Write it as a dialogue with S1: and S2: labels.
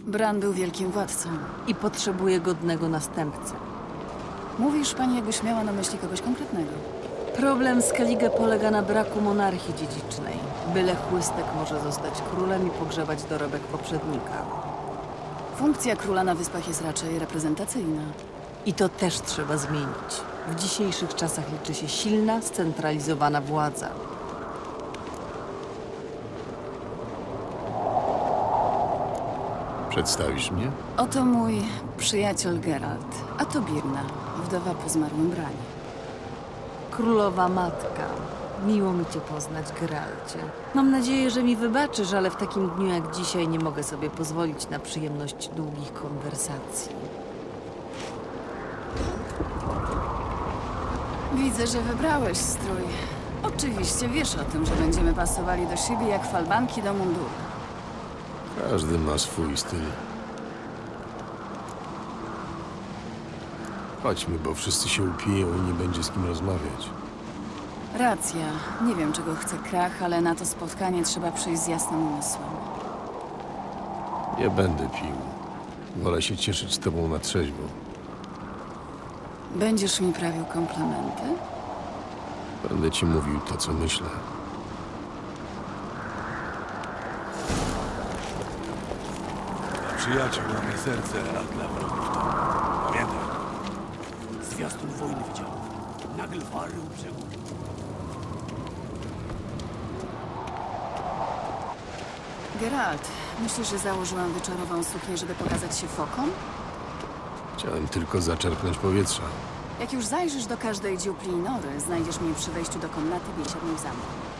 S1: Bran był wielkim władcą.
S2: I potrzebuje godnego następcy.
S1: Mówisz pani, jakbyś miała na myśli kogoś konkretnego.
S2: Problem Skellige polega na braku monarchii dziedzicznej. Byle chłystek może zostać królem i pogrzebać dorobek poprzednika.
S1: Funkcja króla na wyspach jest raczej reprezentacyjna.
S2: I to też trzeba zmienić. W dzisiejszych czasach liczy się silna, scentralizowana władza.
S3: Przedstawisz mnie?
S1: Oto mój przyjaciel Geralt, a to Birna, wdowa po zmarłym Branie.
S2: Królowa matka. Miło mi cię poznać, Geralcie. Mam nadzieję, że mi wybaczysz, ale w takim dniu jak dzisiaj nie mogę sobie pozwolić na przyjemność długich konwersacji.
S1: Widzę, że wybrałeś strój. Oczywiście wiesz o tym, że będziemy pasowali do siebie jak falbanki do munduru.
S3: Każdy ma swój styl. Chodźmy, bo wszyscy się upiją i nie będzie z kim rozmawiać.
S1: Racja. Nie wiem, czego chce Krach, ale na to spotkanie trzeba przyjść z jasnym umysłem.
S3: Nie będę pił. Wolę się cieszyć z tobą na trzeźwo.
S1: Będziesz mi prawił komplementy?
S3: Będę ci mówił to, co myślę.
S4: Przyjaciół mamy serce, a dla wrogów to... Pamiętaj. Zwiastun wojny widział. Nagle wary brzegu.
S1: Geralt, myślisz, że założyłam wieczorową suknię, żeby pokazać się fokom?
S3: Chciałem tylko zaczerpnąć powietrza.
S1: Jak już zajrzysz do każdej dziupli i nory, znajdziesz mnie przy wejściu do komnaty biesiadnej w zamku.